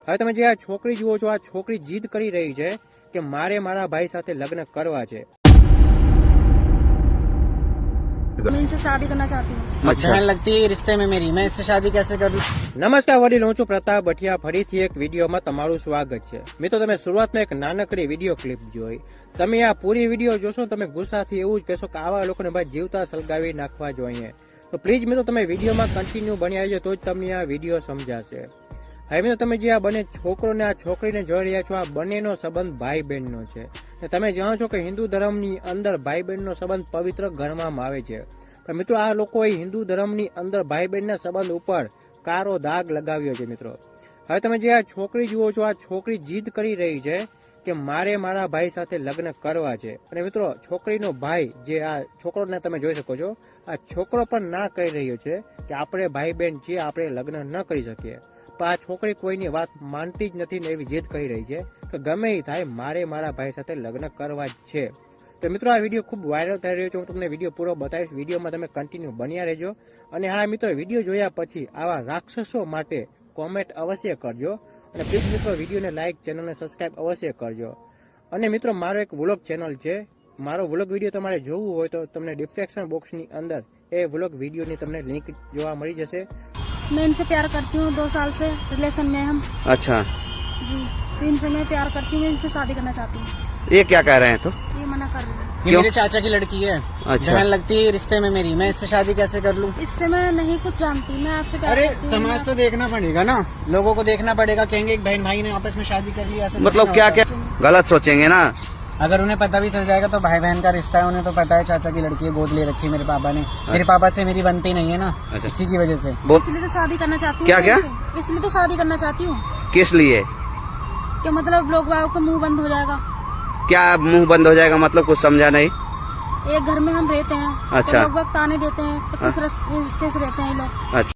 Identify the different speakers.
Speaker 1: હવે તમે જે આ છોકરી જુઓ છો, આ છોકરી જીદ કરી રહી છે કે મારે મારા ભાઈ સાથે લગ્ન કરવા છે।
Speaker 2: मैं इनसे शादी करना चाहती हूँ।
Speaker 3: अच्छा। बहन लगती है रिश्ते में मेरी, मैं इससे शादी कैसे करूँ?
Speaker 1: નમસ્કાર વડીલ, હું છું પ્રતાપ ભટિયા। ફરીથી એક વિડીયોમાં તમારું સ્વાગત છે। મિત્રો, તમે શરૂઆતમાં એક નાનકડી વિડીયો ક્લિપ જોઈ। તમે આ પૂરી વિડીયો જોશો તમે ગુસ્સાથી એવું જ કહેશો કે આવા લોકોને ભાઈ જીવતા સળગાવી નાખવા જોઈએ। તો પ્લીઝ મિત્રો, તમે વિડીયોમાં કન્ટિન્યુ બન્યા રહેજો તો જ તમને આ વિડીયો સમજાશે। હવે મિત્રો, તમે જે આ બંને છોકરો ને આ છોકરીને જોઈ રહ્યા છો, આ બંનેનો સંબંધ ભાઈ બહેનનો છે। તમે જાણો છો કે હિન્દુ ધર્મની અંદર ભાઈ બહેનનો સંબંધ પવિત્ર ગણવામાં આવે છે, પણ મિત્રો આ લોકોએ હિન્દુ ધર્મની અંદર ભાઈ બહેનના સંબંધ ઉપર કારો દાગ લગાવ્યો છે। મિત્રો, હવે તમે જે આ છોકરી જુઓ છો, આ છોકરી જીદ કરી રહી છે કે મારે મારા ભાઈ સાથે લગ્ન કરવા છે। અને મિત્રો, છોકરીનો ભાઈ જે આ છોકરોને તમે જોઈ શકો છો, આ છોકરો પણ ના કહી રહ્યો છે કે આપણે ભાઈ બહેન છીએ, આપણે લગ્ન ન કરી શકીએ। પણ આ છોકરી કોઈની વાત માનતી જ નથી ને એવી જીદ કરી રહી છે કે ગમે એ થાય મારે મારા ભાઈ સાથે લગ્ન કરવા જ છે। તો મિત્રો, આ વિડીયો ખૂબ વાયરલ થઈ રહ્યો છે। હું તમને વિડીયો પૂરો બતાવીશ, વિડીયોમાં તમે કન્ટિન્યુ બન્યા રહેજો। અને હા મિત્રો, વિડીયો જોયા પછી આવા રાક્ષસો માટે કોમેન્ટ અવશ્ય કરજો। અને પ્લીઝ મિત્રો, વિડીયોને લાઇક, ચેનલને સબસ્ક્રાઇબ અવશ્ય કરજો। અને મિત્રો, મારો એક વ્લોગ ચેનલ છે, મારો વ્લોગ વિડીયો તમારે જોવું હોય તો તમને ડિસ્ક્રિપ્શન બોક્સની અંદર એ વ્લોગ વિડીયોની તમને લિંક જોવા મળી જશે।
Speaker 2: मैं इनसे प्यार करती हूँ, 2 साल से रिलेशन में हम।
Speaker 3: अच्छा,
Speaker 2: जी, तो इनसे मैं प्यार करती हूँ, मैं इनसे शादी करना चाहती हूँ।
Speaker 3: ये क्या कह रहे हैं? तो
Speaker 2: ये मना कर रही है।
Speaker 3: ये मेरे चाचा की लड़की है। अच्छा। बहन लगती है रिश्ते में मेरी, मैं इससे शादी कैसे कर लूँ?
Speaker 2: इससे मैं नहीं कुछ जानती, मैं आपसे प्यार
Speaker 3: अरे
Speaker 2: करती हूँ।
Speaker 3: समाज तो देखना पड़ेगा ना, लोगों को देखना पड़ेगा। कहेंगे एक बहन भाई ने आपस में शादी कर लिया, ऐसे
Speaker 4: मतलब क्या क्या गलत सोचेंगे ना।
Speaker 3: अगर उन्हें पता भी चल जाएगा तो भाई बहन का रिश्ता है, उन्हें तो पता है चाचा की लड़की है, गोद ले रखी है मेरे पापा ने। मेरे पापा से मेरी बनती नहीं है ना।
Speaker 4: अच्छा।
Speaker 3: इसी की वजह से
Speaker 2: इसलिए तो शादी करना चाहती हूँ।
Speaker 4: क्या क्या?
Speaker 2: इसलिए तो शादी करना चाहती हूँ
Speaker 4: किस लिए?
Speaker 2: कि मतलब लोग वालों का मुंह बंद हो जाएगा।
Speaker 4: क्या मुंह बंद हो जाएगा मतलब? कुछ समझा नहीं।
Speaker 2: एक घर में हम रहते हैं,
Speaker 4: अच्छा।
Speaker 2: तो लोग वक्त ताने देते हैं, तो किस रिश्ते से रहते हैं ये लोग।
Speaker 4: अच्छा।